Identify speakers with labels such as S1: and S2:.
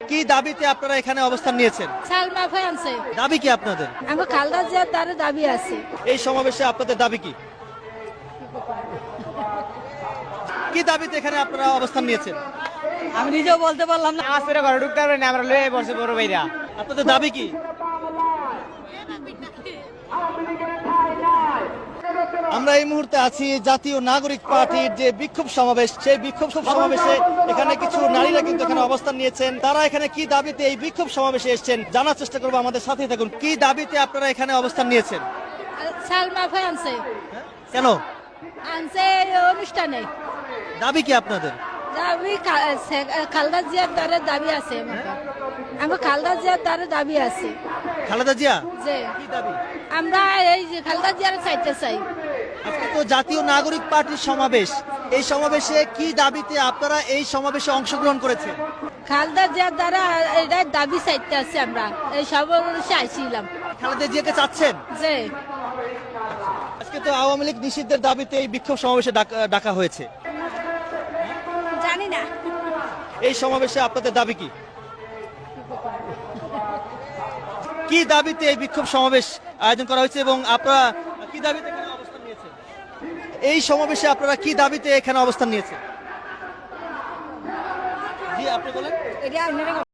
S1: কি দাবিতে আপনারা এখানে অবস্থান নিয়েছেন?
S2: সালমা ফ্রান্সে
S1: দাবি কি আপনাদের?
S2: আমার খালদা জিয়ার তার দাবি আছে।
S1: এই সমাবেশে আপনাদের দাবি কি? কি দাবিতে এখানে আপনারা অবস্থান নিয়েছেন?
S3: আমি নিজেও বলতে পারলাম না।
S4: নামাজ পড়ে ঘরে ঢুকতে পারবে না, আমরা লয়ে বসে বড় ভাইরা।
S1: আপনাদের দাবি কি? আমরা এই মুহূর্তে আছি জাতীয় নাগরিক পার্টির যে বিক্ষোভ সমাবেশ, সেই বিক্ষোভ সমাবেশে এখানে কিছু নারীরা কিন্তু এখানে অবস্থান নিয়েছেন। তারা এখানে কি দাবিতে এই বিক্ষোভ সমাবেশে এসেছেন জানার চেষ্টা করবো, আমাদের সাথেই থাকুন। কি দাবিতে আপনারা এখানে অবস্থান নিয়েছেন?
S2: সালমা ফ্রান্সে
S1: কেন?
S2: আনছে অনুষ্ঠানে।
S1: দাবি কি আপনাদের?
S2: দাবি খালদা জিয়ার তার দাবি আছে। আমার খালদা জিয়ার তার দাবি আছে।
S1: খালেদা জিয়া
S2: যে
S1: কি দাবি?
S2: আমরা এই যে খালদা জিয়ার চাইতে চাই।
S1: আজকে তো জাতীয় নাগরিক পার্টির সমাবেশ, এই সমাবেশে কি দাবিতে আপনারা এই সমাবেশে অংশগ্রহণ করেছেন?
S2: খালদা জিয়ার দ্বারা এটা দাবি চাইতে আছে। আমরা এই সমাবেশে আইছিলাম।
S1: খালেদা জিয়াকে চাচ্ছেন?
S2: যে
S1: আজকে তো আওয়ামী লীগ নিষিদ্ধের দাবিতে এই বিক্ষোভ সমাবেশে ডাকা হয়েছে।
S2: জানি না।
S1: এই সমাবেশে আপনাদের দাবি কি? কি দাবিতে এই বিক্ষোভ সমাবেশ আয়োজন করা হয়েছে এবং আপনারা কি দাবিতে এখানে অবস্থান নিয়েছেন? এই সমাবেশে আপনারা কি দাবিতে এখানে অবস্থান নিয়েছেন? জি, আপনি বলেন।